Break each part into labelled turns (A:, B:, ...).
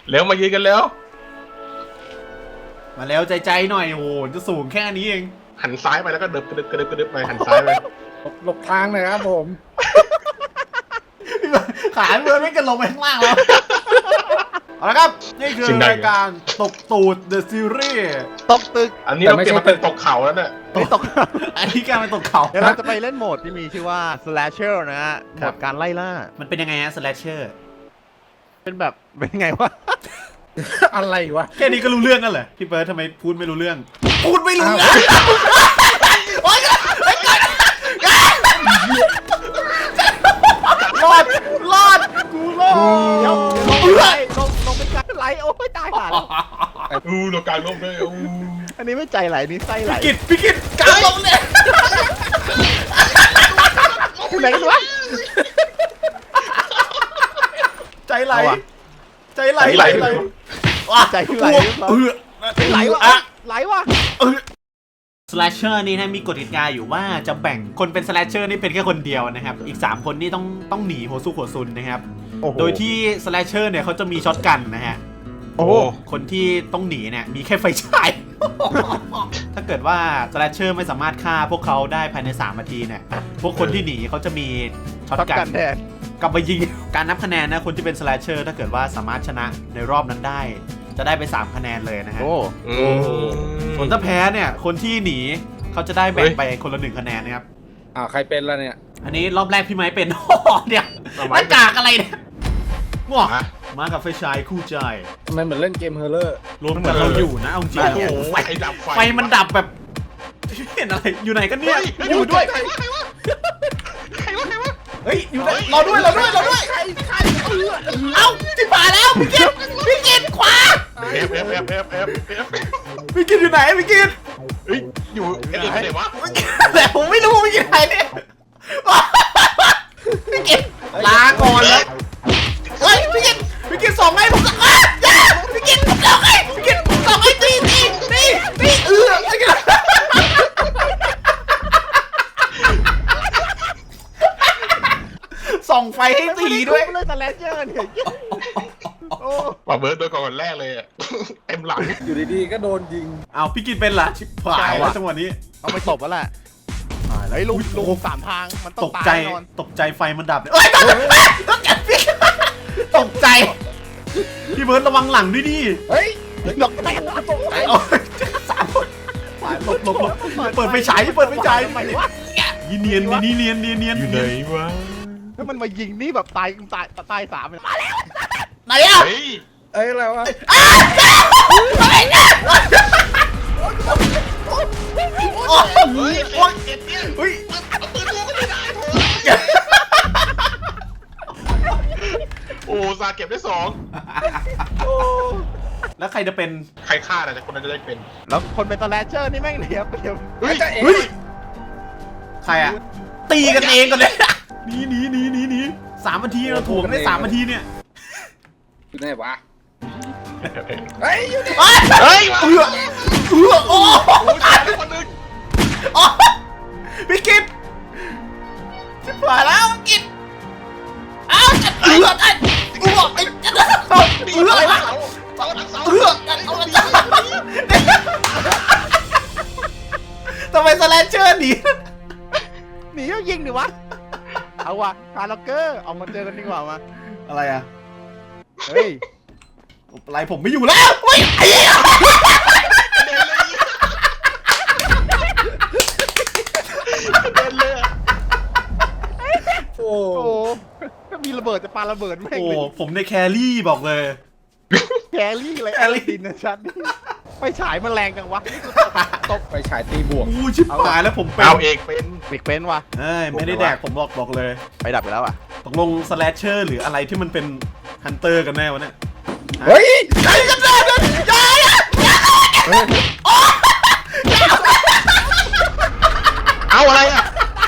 A: เร็วมายืนกันแล้ว
B: มาแล้วใจหน่อยโอ้โหจะสูงแค่นี้เอง
A: หันซ้ายไปแล้วก็เดิบกระดึบไปหันซ้ายไป
C: หลบทางหน่อยครับผม
B: ขาเมือไม่กันลงไปข้างล่างแล้วเอาละครับนี่คือรายการตกตูด The Series
D: ตกตึก
A: อันนี้เราเปลี่ยนมาเป็นตกเขาแล้วเนี่ย
D: ตก
B: อันนี้การเป็นตกเขา
D: เดี๋ยวเราจะไปเล่นโหมดที่มีชื่อว่า slasher นะฮะโหมดการไล่ล่า
B: มันเป็นยังไงฮะ Slasher
D: เป็นแบบเป็นไงวะ
C: อะไรวะ
B: แค่นี้ก็รู้เรื่องกันเหรอพี่เบิร์ดทำไมพูดไม่รู้เรื่องพูดไม่รู้เรื่องโอ๊ยรอดกูรอด
D: เดี๋ยวลงเป็นการไหลโอ้ยตายห่าแล้ว
A: เราการลบด้วย
D: อันนี้ไม่ใจไหลนี่ไส้ไหล
B: พี่กิตกลางลงเนี่ย
D: อยู่ไหนกันวะ
B: ใจไหลใจไหล
D: ใจไหลไหลวะไหลวะ
B: Slasher นี่นะมีกฎกติกาอยู่ว่าจะแบ่งคนเป็น Slasher นี่เป็นแค่คนเดียวนะครับอีก3คนนี่ต้องหนีหัวสู้หัวซุนนะครับโดยที่ Slasher เนี่ยเขาจะมีช็อตกันนะฮะ
D: โอ้โห
B: คนที่ต้องหนีเนี่ยมีแค่ไฟฉาย ถ้าเกิดว่า Slasher ไม่สามารถฆ่าพวกเขาได้ภายใน3นาทีเนี่ยพวกคนที่หนีเขาจะมีช็อตกัน
D: แทน
B: กลับมายิงการนับคะแนนนะคนที่เป็น Slasher ถ้าเกิดว่าสามารถชนะในรอบนั้นได้จะได้ไป3คะแนนเลยนะฮะ
D: โอ้
B: ส่วนถ้าแพ้เนี่ยคนที่หนีเขาจะได้แบ่งไปคนละ1คะแนนนะครับ
C: ใครเป็นแล้วเนี่ย
B: อันนี้รอบแรกพี่ไม้เป็น เนี่ยหน้ากากอะไรเนี่ยว้ามากับไฟฉายคู่ใจ
C: ทำไมเหมือนเล่นเกมเฮอร์เลอร์
B: รวมกันเราอยู่นะเอาจริง
A: โอ้
B: เนี่ย
A: โหไฟดับ
B: ไฟมันดับแบบเห็นอะไรอยู่ไหนกันเนี่ย
A: อยู่ด้วย
B: เฮ้ยอยู่ไหนรอด้วยเอ้าจิบหายแล้วพี่กิตขวา
A: เอฟ
B: พี่กิตอยู่ไหนพี่กิต
A: เฮ้ยอยู่ไหนวะ
B: แต่ผมไม่รู้พี่กิตไหนเนี่ยพี่กิตลาก่อนแล้วเฮ้ยพี่กิตส่งให้ผมอย่าพี่กิตผมส่งให้พี่กิตส่งให้ตีพี่กิตส่องไฟให้ตีด้วย
D: เลย slasher เนี่ยโอ้
A: ป่าเบิร์ดโดนก่อนแรกเลยเต็มหลัง
C: อยู่ดีๆก็โดนยิง
B: เอาพี่กิตเป็นล่ะชิบหายแล้วจังหวะนี้
D: เอาไปตบแล้วแหละเฮ้ยลุง3 ทางมันต้อ
B: ต
D: ง
B: ก
D: ตาย
B: ใจ
D: แน่นอน
B: ตกใจไฟมันดับเอ้ยต้องแกพี่ตกใจพี่เบิร์ดระวังหลังด้วยดิ
C: เฮ้ย
D: ดอกแตกตกใจ
B: เอา3 คนหลบเปิดไฟฉายยีเนียน
A: อยู่ไหนวะ
D: ถ้ามันมายิงนี่แบบตาย3เลยมาแล้ว
B: ไหนอ่ะ
A: เฮ้ย
C: อะไรวะ
B: อะไรเนี่ย
A: เฮ้ย
B: เฮ้ย
A: โอ้ซาเก็บได้2
B: แล้วใครจะเป็น
A: ใครฆ่าแต่คนนั้นจะได้เป็น
D: แล้วคนเป็น slasher นี่แม่งเนียบ
A: เฮ้ย
B: เฮ้ยใครอ่ะตีกันเองก่อนเลยหนี3 นาทีเราถ่วงได้3 นาทีเนี่ย
C: อยู่ไหนวะเฮ้ยอยู่ไหน
A: เฮ้ย
B: โอ้
A: ตายไปคนนึง
B: พี่กิตชิบหายแล้วพี่กิตอ้าวจะอะไรวะทำไมสแลนเชอร์หนี
D: หนีก็ยิงดิวะเอาวะคาร์ล็อกเกอร์เอามาเจอกันดีกว่ามา
B: อะไรอ่ะ
D: เฮ้ย
B: อะไรผมไม่อยู่แล้วเฮ้ยไอ้เหี้ย
A: เดินเลย
C: โอ้
D: โอ้ถ้ามีระเบิดจะปาระเบิดแม่ง
B: โอ้
D: เลย
B: ผมในแครี่บอกเลย
D: แครี่อะไร
B: แครี่
D: ดินนะชัดไปฉายมันแรงจังวะ
C: ตกไปฉายตีบวก
B: อู้ชิบหายแล้วผมเป็น
A: เอาเองเป็น
D: ปิกเป็นวะ
B: เอ้ยไม่ได้แดกผมบอกเลย
D: ไปดับไปแล้วอ่ะ
B: ตกลงสแลชเชอร์หรืออะไรที่มันเป็นฮันเตอร์กันแน่วะเนี่ย
C: เฮ้ย
B: ใครกันแน่เนี่ยอย่า
A: เอาอะไรอ่ะ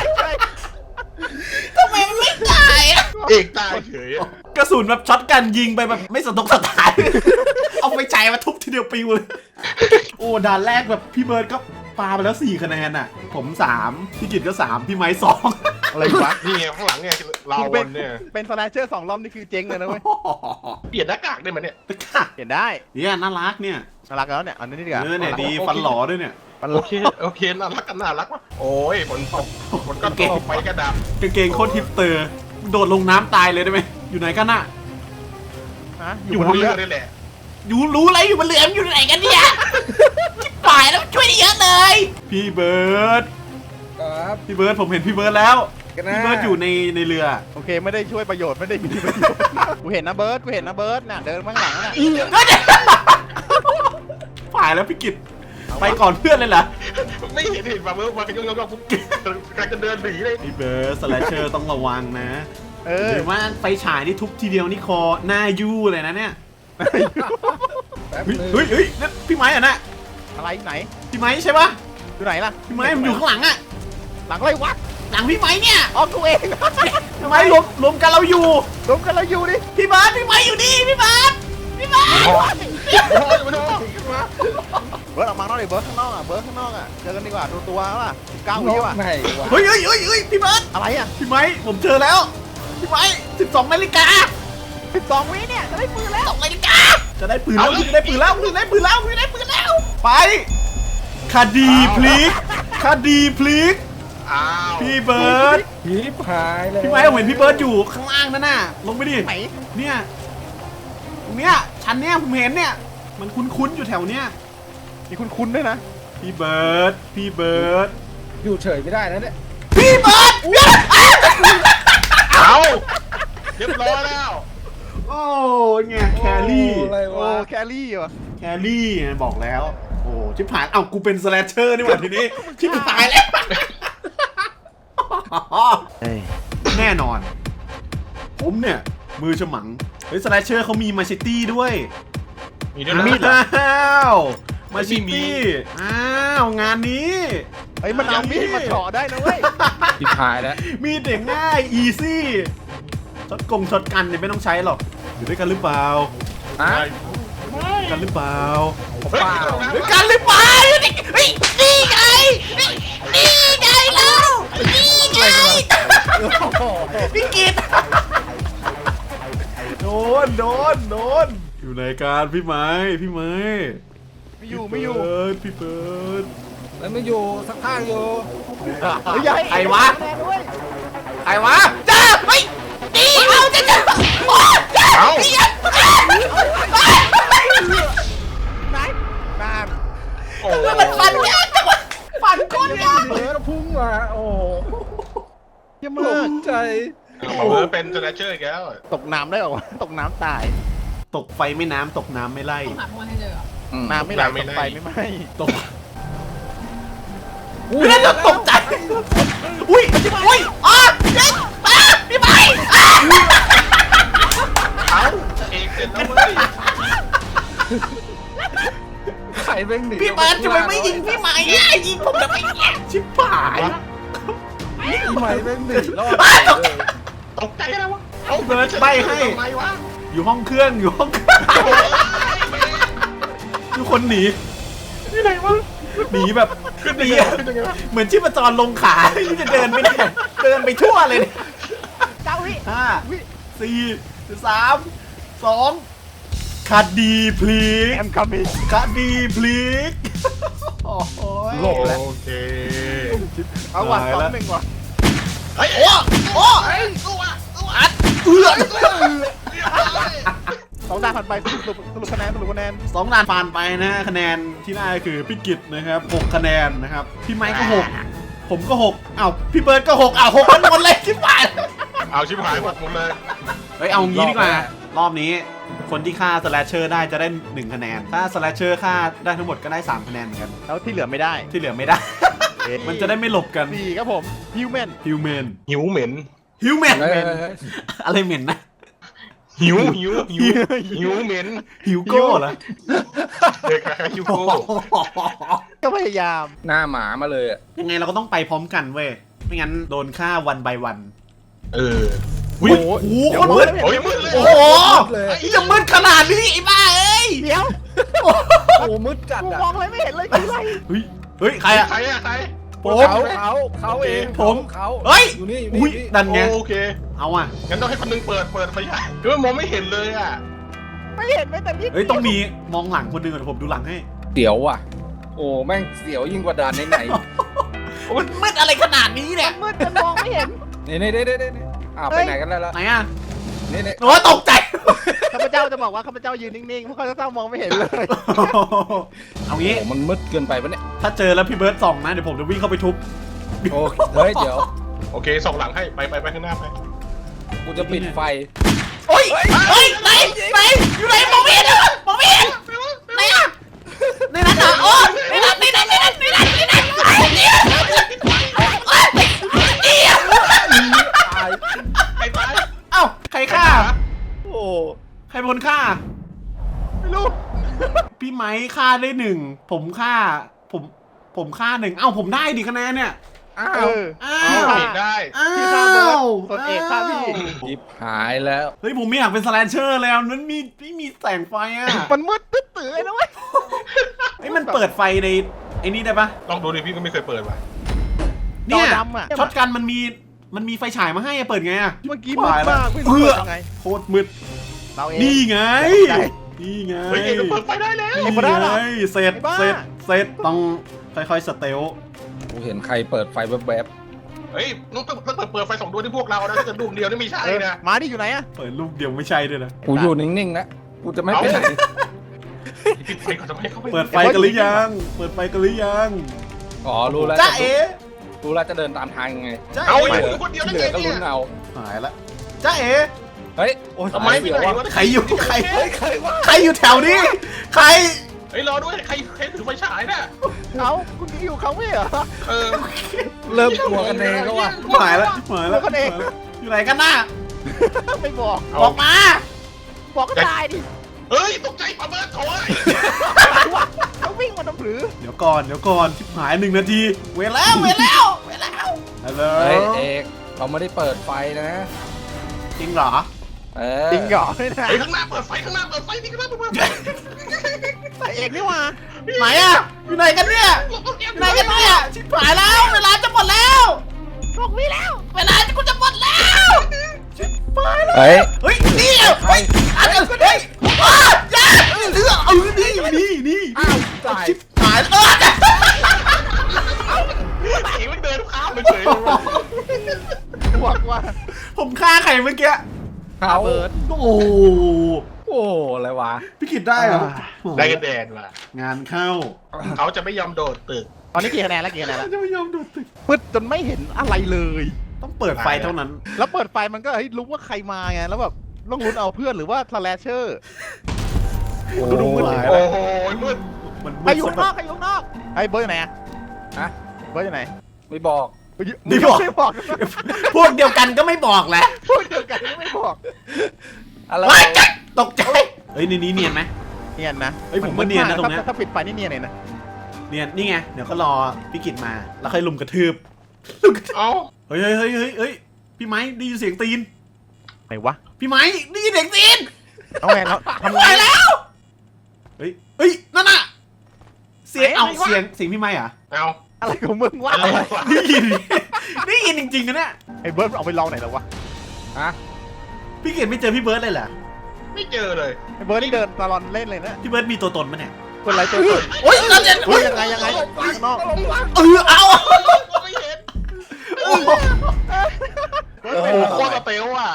B: ทำไมมันไม่ตายอะ
A: เอกตายเฉย
B: กระสุนแบบช็อตกันยิงไปแบบไม่สะทกสะท้าน เอาไปใจมาทุบทีเดียวปิวเลย โอ้ด่านแรกแบบพี่เบิร์ดก็ปาไปแล้ว4 คะแนนอ่ะ ผม3พี่กิตก็3พี่ไม้2
D: อะไรวะ
A: นี่ไงข้างหลังเนี่ยเราวนเนี่ย
D: เป็นสแลชเชอร์2 รอบนี่คือเจ๊งเลยนะเว้ย
A: เปลี่ยนหน้ากากได้ไหมเนี่ย
D: เห็นได้
B: เนี่ยน่ารักเนี่ย
D: น่ารักแล้วเนี่ยอันนี้ดีกว่า
B: เนี่ยดีฟันหล่อด้วยเนี่ย
D: มัน
A: โอเคน่ารักกันน่ารักวะโอ้ยฝนตกฝนก็ตกไปกระดับ
B: กางเกงโคตรฮิปสเตอร์โดดลงน้ำตายเลยได้ไหมอยู่ไหนกันน่ะ
D: ฮะอ
A: อยู่ ยู่
D: บบ น
A: น
D: เรื
A: เรือ อนี่แหละ
B: อยู่รู้อะไรอยู่บนเรืออยู่ไหนกันเนี่ยชิบหายแล้วช่วยได้เยอะเลยพี่เบิร์ด
C: ครับ
B: พี่เบิร์ดผมเห็นพี่เบิร์ดแล้ว
C: กันนะ
B: พี่เบิร์ดอยู่ในเรือ
D: โอเคไม่ได้ช่วยประโยชน์ไม่ได้มีประโยชน์กูเห็นนะเบิร์ดกูเห็นนะเบิร์ดน่ะเดินข้างหลังน่ะ
B: ฝ่ายแล้วพี่กิตไปก่อนเพื่อนเลยเหรอ
A: ไม่เห็นมาเมื่อวานยองๆปุ๊บกำลังจะเดินหนีเลย
B: พี่เบิร์ดสแลชเชอร์ต้องระวังนะ
D: เออ
B: หรือว่าไฟฉายนี่ทุบทีเดียวนี่คอหน้ายู่เลยนะเนี่ย
C: แป๊บ
B: เฮ้ย
C: นึง
B: เฮ้ยนั่นพี่ไม้อะนะ
D: อะไรไหน
B: พี่ไม้ใช่ปะ
D: อยู่ไหนล่ะ
B: พี่ไม้ผมอยู่ข้างหลังอะ
D: หลังอะไรวะ
B: หลังพี่ไม้เนี่ย
D: อ๋อกูเอง
B: พี่ไม้รวมกันเราอยู่
D: รวมกันเราอยู่ดิ
B: พี่เบิร์ดพี่ไม้อยู่นี่พี่เบิร์ดพี่เบิร์ด
A: โอ้ยมาดู
D: เบิร์ดออกมาข้างนอกดิเบิร์ดข้างนอกอ่ะเบิร์ดข้างนอกอ่ะเจอกันดีกว่าตัวว่ะ19 วิว่ะ
C: ไหนวะ
B: เฮ้ยพี่เบิร์ด
D: อะไรอ่ะ
B: พี่ไม้ผมเจอแล้วพี่ไม้12 นาฬิกา
D: 12 วิเนี่ยจะได้ปืนแล้ว
B: 2 นาฬิกาจะได้ปืนแล้วจะได้ปืนแล้วจะได้ปืนแล้วจะได้ปืนแล้วไปคดีพลิกคดีพลิก
A: อ้าว
B: พี่เบิร์ด
C: ผีพายเลย
B: พี่ไม้ผมเห็นพี่เบิร์ดอยู่ข้างล่างนั่นน่ะลงไปดิ
D: ไหน
B: เนี่ยตรงเนี้ยชั้นเนี้ยผมเห็นเนี่ยมันคุ้นๆอยู่แถวเนี้ย
D: มีคุณด้วยนะ
B: พี่เบิร์ดพี่เบิร์ด
C: อยู่เฉยไม่ได้นะเนี่ย
B: พี่เบิร์ด
A: เอาเรียบร้อยแล้ว
B: โอ้ไงแครี่
C: โอ้อะไร
D: โอ้
C: วะ
D: แครี่ว่ะ
B: แครี่ไงบอกแล้วโอ้ชิบหายเอ้ากูเป็นสแลชเชอร์นี่หว่าทีนี้ชิบหายแล้วแน่นอน ผมเนี่ยมือฉมังเฮ้ยสแลชเชอร์เขามีมาชิตี้ด้วย
A: มีด้วยนะ
B: อ้าวมาชิ
A: ไม่มี
B: ตี้อ้าวงานนี้
D: เฮ้ยมันเอามีดมาเฉาะได้นะเว้ย
C: ผีพายแล้ว
B: มีเด็กง่ายอีซี่ช็อตกันเนี่ยไม่ต้องใช้หรอกอยู่ด้วยกันหรือเปล่า
C: ฮะ
B: กันหรือเปล่า
A: เฮ้ย
B: ด้วยกันหรือเปล่าเฮ้ยนี่ไงนี่ไงแล้วนี่ไงพี่กิตโดนอยู่ในการพี่ไม้
D: ไม่อยู่ไม่อยู่
B: พี่เบิร์ด
C: แล้วไม่อยู่สักข้างอยู่
D: เฮ้ยอย่าให้
B: ใครวะ
D: แน่ด้วย
B: ใครวะจ้าเฮ้ยตีเอาจ้าโอ้จ้า
A: เอา
D: ไหนนาน
A: โอ้
B: แล้วมันฟันยากจังวะฟันก้นยาก
C: เบิร์ดพุ่งมาโอ้
D: เยี่ยม
C: หล
D: มาก
C: งใจ
A: เอาเบอร์เป็นสแลชเชอร์อีกแล้ว
D: ตกน้ำได้เหรอวะตกน้ำตาย
B: ตกไฟไม่น้ำตกน้ำไม่ไล่
E: หาพวกให้เจอ
D: น้ำไม่ไหลตกไฟไม่ไหม้
B: ตกเพื่อนจะตกใจอุ้ยอ๋อเจ๊พี่ไม้
A: เอาเอกเสร็จแล้วเว้ย
C: ไข่เบ้งหนี
B: พี่เบิร์ดทำไมไม่ยิงพี่ไม้อ่ะยิงผมทำไมเนี่ยชิบหาย
C: พี่ไม้เบ้งหนีรอดเลย
A: ตกใจแล้ววะเอา
B: เบิร์ดใบให้
A: ทำไมวะ
B: อยู่ห้องเครื่องทุกคนหนี
A: ที่ไหนวะ
B: หนีแบบ
A: ขึ้น
B: หนี
A: ยังไงขึ้นยังไงวะ
B: เหมือนชีพจรลงขาจะเดินไปเนี่ยเดินไปทั่วเลยเนี่ย
D: 9 วิ
B: 5 4 3 2คดีพลิก
D: แอมคัมมิ่ง
B: คดีพลิกโอ้โห
C: หลบแล้ว
A: โอเค
D: เอาว่ะ2-1ว่ะ
A: เฮ้ย
B: โอ้โอ้
A: เฮ้ยสู้อ่ะ
B: อัดเอื้อ
D: 2 ด่านผ่านไปสรุปคะแนน
B: สองด่านผ่านไปนะคะแนนที่ได้คือพี่กิตนะครับ6คะแนนนะครับพี่ไมค์ก็6ผมก็6อ้าวพี่เบิร์ดก็6อ้าว6คนหมดเลยชิบหาย
A: เอาชิบหายหมดเลย
B: เฮ้ยเอางี้ดีกว่ารอบนี้คนที่ฆ่าสแลชเชอร์ได้จะได้1คะแนนถ้าสแลชเชอร์ฆ่าได้ทั้งหมดก็ได้3คะแนนเหมือนกัน
D: แล้วที่เหลือไม่ได้
B: ที่เหลือไม่ได้ มันจะได้ไม่หลบกัน
D: 4ครับผมฮิวแมน
B: ฮิวแมน
A: หิวเหม็น
B: ฮิวแมน
C: เฮ้ย
B: อะไรเหม็นนะ
A: หิวเหม็น
B: ฮิวโก้เหรอ
A: เด็กใครหิวโก้
D: ก็พยายาม
C: หน้าหมามาเลยอ่ะ
B: ยังไงเราก็ต้องไปพร้อมกันเว้ยไม่งั้นโดนฆ่าวันbyวัน
A: เออ
B: โอ้โหโคตรมืด
A: โอ้ยมืดเลย
B: โอ้โห
C: เลย
B: จะมืดขนาดนี้ไอ้บ้าเอ้ย
D: เดี๋ยว
C: โอ้มืดจัด
D: กู
C: อ่ะ
D: มองอะไรไม่เห็นเลยคืออะไร
B: เฮ้ยใครอะ
A: ใครอะใคร
B: ผผม
C: เขาเอง
B: ผม
C: เขา
B: เฮ้ย
C: อยู่นี่
B: อุ้ยดันไง
A: โอเค
B: เอาอ่ะ
A: งั้นต้องให้คนนึงเปิดไฟฉายคือมันมองไม่เห็นเลยอ่ะ
D: ไม่เห็นไม่แต่นิด
B: เฮ้ยต้องมีมองหลังคนหนึงก่อนผมดูหลังให้
C: เสียวว่ะ โอ้แม่งเสียวยิ่งกว่าด่านไหน
B: มันมืดอะไรขนาดนี้เนี่ย
D: มืดจนมองไม่เห็น
C: ๆนี่ไปไหนกันแล้วล่ะ
B: ไหนอ่ะ
C: นี่
B: โอ้ตกใจ
D: ข้าพเจ้าจะบอกว่าข้าพเจ้ายืนนิ่งๆเพราะข้าพเจ้ามองไม่เห็นเลย
B: เอางี้
C: โอ้มันมืดเกินไปปะเนี่ย
B: ถ้าเจอแล้วพี่เบิร์ดส่องนะเดี๋ยวผมจะวิ่งเข้าไปทุบ
C: โอ้เฮ้ยเดี๋ยว
A: โอเคส่องหลังให้ไปข้างหน้าไป
C: กูจะปิดไฟ
B: โอ้ยเฮ้ยไหนอยู่ไหนมองไม่เห็นเลยมองไม่เห็นไหนอ่ะในนั้นเหรอโอ้ในนั้นไอ้เนี่ย
C: ตาย
A: ใครตาย
B: เอ้าใครฆ่า
C: โอ้
B: ใครเป็นคนฆ่า
D: ไม่รู้
B: พี่ไม้ฆ่าได้1ผมฆ่าผมฆ่า1เอ้าผมได้ดิคะแนนเนี่ย
C: อ้า
D: เอ
C: ว
D: อ
B: อ้า
A: เอา
B: ว
A: เอกได้
B: อ้า
D: พี่ฆ่าเบิร์ด
B: ว
D: ส่วนเอกฆ่าพี่
C: จิบหายแล้ว
B: เฮ้ยผมไม่อยากเป็นสแลนเชอร์แล้วนั้นไม่มีแสงไฟอ่ะ
D: มันมืดตื้อๆเลยนะเว้ย
B: ไอ้ยมันเปิดไฟในไอ้นี่ได้ปะ
A: ลองดูดิพี่ก็ไม่เคยเปิดว่ะ
B: เนี่ย
D: จอดำอะ
B: ช็อตกันมันมีไฟฉายมาให้อะเปิดไงอะ
D: เมื่อกี้มืดมากไม่รู้
B: เพื่อ
D: เปิดยังไง
B: โคตรมืด
D: เราเอง
B: นี่ไง
D: ได้
B: นี่ไง
A: เฮ้ยเอกเปิดไฟได้แล้ว
B: นี่
D: ไม่ได้หรอ
B: ไงเสร็จ
D: ไอ้บ้า
B: เสร็จต้องค่อยๆสเตล
C: กูเห็นใครเปิดไฟแวบ
A: เฮ้ยต้องเปิดไฟ2ดวงที่พวกเรานะถ้าเกิดดวงเดียวนี่ไม่ใช่
D: เออ
A: นะ
D: มาดิอยู่ไหนอะ
B: เปิดลูกเดียวไม่ใช่ด้วยนะ
C: ๆกูอยู่นิ่งๆนะกูจะไม่ไปไหน
A: ปิดไฟก่อนทำไมเขาไป
B: เปิดไฟกันหรือยังเปิดไฟกันหรือยัง
C: อ๋อรู้แล้ว
B: จ้าเอ๋
C: รู้แล้วจะเดินตามทางยังไง
B: จ้า
A: เอา
B: เอ๋
A: อยู่คนเดียว
C: ที่
A: ได้
C: เหลื
A: ไง
C: อก็
A: เนี่
C: ลุ้
A: ย
C: นเอา
B: หายละจ้าเอ๋
C: เฮ้ยโอ้ย
A: ทำไม
C: เสี
A: พี่
C: ยว
A: ไหน
C: วะ
A: วะ
B: ใครอยู่ใคร
C: เฮ้ยใครวะ
B: ใครอยู่แถวนี้ใคร
A: เฮ้ยรอด้วยใครถือไฟฉายน่ะ
D: เขาคุณอยู่เขาไม่เหรอ
A: เออ
C: เริ่มกลัวกันเองแล้วว่ะ
B: หายละหายละ
D: เดี๋ยวกันเอง
B: อยู่ไหนกันน่ะ
D: ไม่บอก
B: บอกมา
D: บอกก็ตายดิ
A: เฮ้ยตกใจปะเบิร์ดโถ่
D: เขาวิ่งมาทำหรือ
B: เดี๋ยวก่อนชิบหาย1 นาทีเวลแล้วฮัลโหล
C: เฮ้ยเอกเราไม่ได้เปิดไฟนะ
B: จริงเหรอ
C: เออ
D: จริงเหรอไม่ได้
A: เฮ้ยข้างหน้าเปิดไฟนี่ข้างหน้าเปิดไฟ
D: แต่เอกนี่ว่า
B: ไหนอะอยู่ไหนกันเนี่ยอยู่ไหนกันเนี่ยชิบหายแล้วเวลาจะหมดแล้ว
D: บอกพี่แล้ว
B: เวลากูจะหมดแล้วชิบหายแล้ว
C: เฮ้ย
B: เฮ้ยนี่เฮ้ยอันนี้เฮ้ยอ้าอย่านี่
C: อ้าวตาย
B: ชิบหายแล้ว
A: เอกมันเดินข้ามไปเฉยเลยว่ะ
D: บอกว่า
B: ผมฆ่าใครเมื่อกี้
C: เขา
D: เบิร์ด
B: โอ้โห
C: โอ้อะไรวะ
B: พี่กิดได้เหรอ
A: ได้กันแดนว่ะ
B: งานเข้า
A: เขาจะไม่ยอมโดดตึก
D: ตอนนี้กี่คะแนนแล้วกี่คะแนนแล้ว
B: จะไม่ยอมโดดตึก
D: มืดจนไม่เห็นอะไรเลย
B: ต้องเปิดไฟเท่านั้น
D: แล้วเปิดไฟมันก็เฮ้ยรู้ว่าใครมาไงแล้วแบบต้องลุ้นเอาเพื่อนหรือว่าสแลชเชอร์ ดูมืด
B: หาย
A: โอ้
B: แล้ว
A: โหมืด
B: มัน
D: ใครอยู่ข้างนอกใครอยู่ข้างนอกไอ้เบิร์ดอยู่ไหนอะ
C: ฮะ
D: เบิร์ดอยู่ไหน
C: ไม่บอก
D: ไม่บอก
B: พวกเดียวกันก็ไม่บอกแหละ
D: พูดเดียวกันไม่บอก
C: อะไร
B: ว้ายตกใจเฮ้ยในนี้เนียนไหม
D: เนียนนะ
B: เฮ้ยผมว่าเนียนนะตรงเนี้ย
D: ถ้าปิดไฟนี่เนียนเลยนะ
B: เนียนนี่ไงเดี๋ยวก็รอพี่กิจมาแล้วค่อยลุมกระทืบ
A: เอ้า
B: เฮ้ยพี่ไม้ได้ยินเสียงตีน
D: ไหนวะ
B: พี่ไม้ได้ยินเสียงตีน
D: เอาไงเราทำไง
B: ไปแล้วเฮ้ยนั่นน่ะเสียง
D: ไหน
B: เอา
D: ไหนวะ
B: เสียงพี่ไม้อะ
A: เอา
D: อะไรของมึงวะ
A: อะไรวะ
B: ได้ยินได้ยินจริงๆนะเนี่ย
D: ไอ้เบิร์ดเอาไปลองไหนแล้ววะ
C: ฮะ
B: พี่กิจไม่เจอพี่เบิร์ดเลยเหรอ
A: ไม่เจอเลย
D: ไอ้เบิร์ดนี่เดินตลอดเล่นเลยนะ
B: พี่เบิร์ดมีตัวตนมั้ยเนี่ย
D: คนไรตัว
B: โอ๊ยนั่นเนี่ย
D: เฮ้ยยังไงข้างนอก
B: เอา
A: ไม่เห็น
B: โอ้โห
A: โอ้โหโคตรสเตลอ่ะ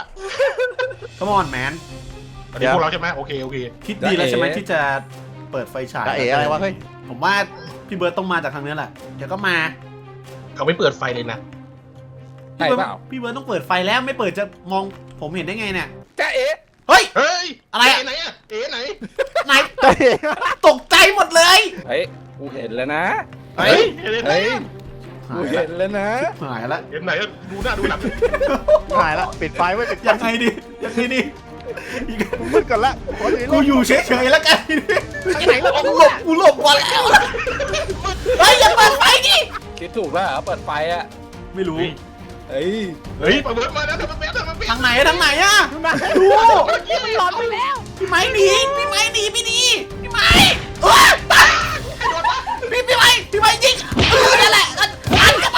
B: Come on man
A: อันนี้พวกเราใช่ไหมโอเค
B: คิดดีแล้วใช่ไหมที่จะเปิดไฟฉาย
D: จะเอ๋อะไรวะเฮ้ย
B: ผมว่าพี่เบิร์ดต้องมาจากทางนี้แหละเดี๋ยวก็มา
A: เขาไม่เปิดไฟเลยนะ
C: ใช่เปล่า
B: พี่เบิร์ดต้องเปิดไฟแล้วไม่เปิดจะมองผมเห็นได้ไงเนี่ย
C: จ้าเอ๋
B: เฮ้ย
A: เฮ้ย
B: อะไรอะ
A: ไหนอะเอ๋ไหน
B: ไหน
D: จะเอ๋
B: ตกใจหมดเลย
C: เฮ้ยกูเห็นแล้วนะ
A: เฮ้ยเห็นไหน
C: เฮ้ย
B: หา
C: กู
B: ย
C: เห็
B: ละ
C: นแล้วนะ
B: หายละ
A: เห็นไหนดูหน้าดูหลัง
D: หายละปิดไฟไว้ปิดไฟ
B: ยังไงดียังไงดี
D: มึงมืดก่อนละขอดู
B: กูอยู่เฉยๆแล้วกัน
D: ที่ไหนแล้ว
B: กูหลบก่อนแล้วเฮ้ยอย่าเปิดไฟดิ
C: คิดถูกแล้วเหรอเปิดไฟอ่ะ
B: ไม่รู้
C: เฮ้ย
A: เฮ้ยประเมินมาแล้วทำไมทำไม
B: ทางไหนทางไหนอะ
D: ดูนะ
B: ดู
D: มันหลอนไปแล้ว
B: พี่ไม้หนีพี่ไม้หนีไม่ดีพี่ไม้ว้าพี่ไม้ยิงนั่นแหละอัน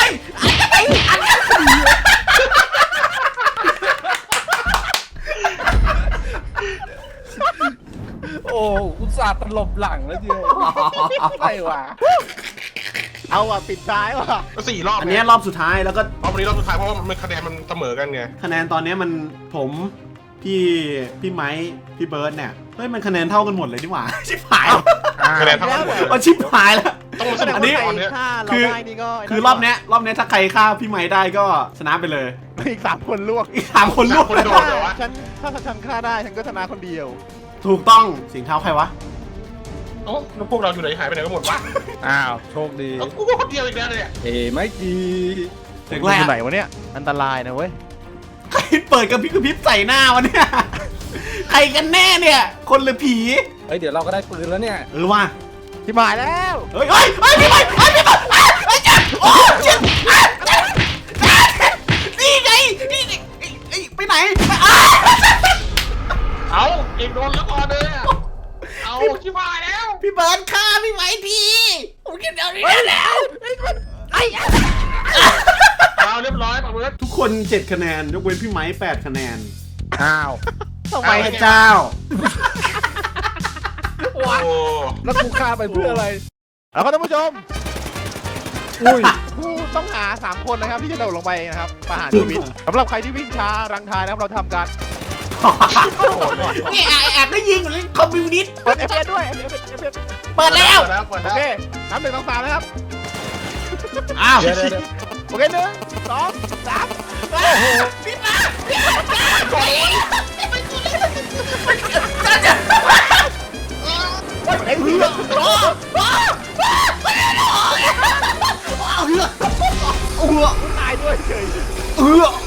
C: าห์ตลบหลังแล้วเจียวอะไรวะ
D: เอาว่ะปิดท้ายว่ะ
A: ก็4 รอบ
B: อันเนี้ยรอบสุดท้ายแล้วก็
A: รอบนี้รอบสุดท้ายเพราะว่ามันคะแนนมันเสมอกันไง
B: คะแนนตอนเนี้ยมันผมพี่ไม้พี่เบิร์ดเนี่ยเฮ้ยมันคะแนนเท่ากันหมดเลยนี่หว่า ชิบหาย
A: คะแนนเท่ากันหมดเลย
B: เอาชิบหายแล้ว
A: ต้องมาสนุก
B: อันนี้
A: ตอนเนี้ย
D: ถ้าเรา
B: คือ
D: ได้นี่ก็
B: คือรอบเนี้ยถ้าใครฆ่าพี่ไม้ได้ก็ชนะไปเลย
D: อีก3 คนลวก
B: อีก3 คนลวก
A: คนโดนเหรอวะ
D: ถ้าฉันฆ่าได้ฉันก็ชนะคนเดียว
B: ถูกต้องเสียงเท้าใครวะ
A: โอ้แล้วพวกเราอยู่ไหนหายไปไหนกันหมดวะ
C: อ้าวโชคดี
A: เอากูก็คนเดียวอีกแล้วเนี่ย
C: ไม่ดี
B: เสียง
D: อ
B: แร
D: ยู่
B: ก
D: ไหนวะเนี่ยอันตรายนะเว้ย
B: ใครเปิดกระพริบใส่หน้าวะเนี่ยใครกันแน่เนี่ย คนหรือผี
C: เฮ้ยเดี๋ยวเราก็ได้ปืนแล้วเนี่ย
B: ว่า
D: ที่หมายแล้ว
B: เฮ้ยพี่ไม้พี่ไม้ไอ้เจ็บโอ้เจ็บนี่ไงนี่ไปไหน
A: เอาเอกโดนแล้วก่อนเลยอะเอาชิบหายแล้ว
B: พี่เบิร์ดฆ่าพี่ไม้ทีผมคิดเดี๋ยวนี้แล้ว
A: เอาเรียบร้อยปะเบิร์ด
B: ทุกคน7 คะแนนยกเว้นพี่ไม้8 คะแนน
C: อ้าว
D: ทำไม
B: พระเจ้า
A: โอ้
C: แล้วกูฆ่าไปเพื่ออะไร
D: แล้วก็ท่านผู้ชม
C: อุ้ย
D: ผู้ต้องหา3 คนนะครับที่จะโดดลงไปนะครับประหารชีวิตสำหรับใครที่วิ่งช้ารังทายนะครับเราทำการ
B: นี่แอบได้ยิงอยู่เลยคอมมิวนิสต์
D: เปิด FPS ด้วย FPS
B: เปิดแล้ว
A: เปิด
D: โอ
A: แล้ว
D: เคนับ1 2 3นะครับ
B: อ้าว
C: เดี๋ยว
D: โอเค1 2 3
B: พี่มา
D: ไอ้เหี้ย
B: เอาเหือ
D: ตายด้วยเฉย
B: เหือ